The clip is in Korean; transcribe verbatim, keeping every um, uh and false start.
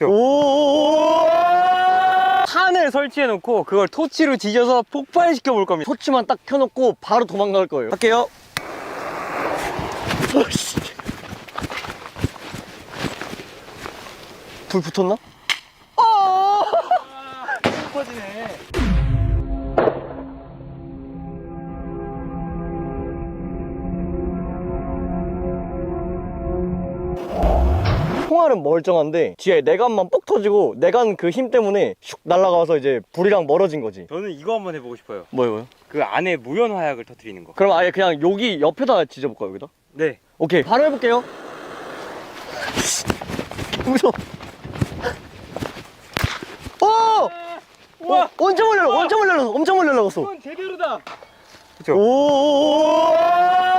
오 탄을 설치해 놓고 그걸 토치로 뒤져서 폭발시켜 볼 겁니다. 토치만 딱 켜놓고 바로 도망갈 거예요. 할게요. 불 붙었나? 터지네. 총알은 멀쩡한데 뒤에 내관만 뻑 터지고 내관 그 힘 때문에 슉 날아가서 이제 불이랑 멀어진 거지. 저는 이거 한번 해보고 싶어요. 뭐요 뭐요? 그 안에 무연 화약을 터뜨리는 거. 그럼 아예 그냥 여기 옆에다 지져볼까요 여기다? 네. 오케이 바로 해볼게요. 무서워. 오! 우와! 어, 엄청 멀리 날아 엄청 멀리 날아갔어 엄청 멀리 날아갔어. 이건 제대로다. 그쵸? 오!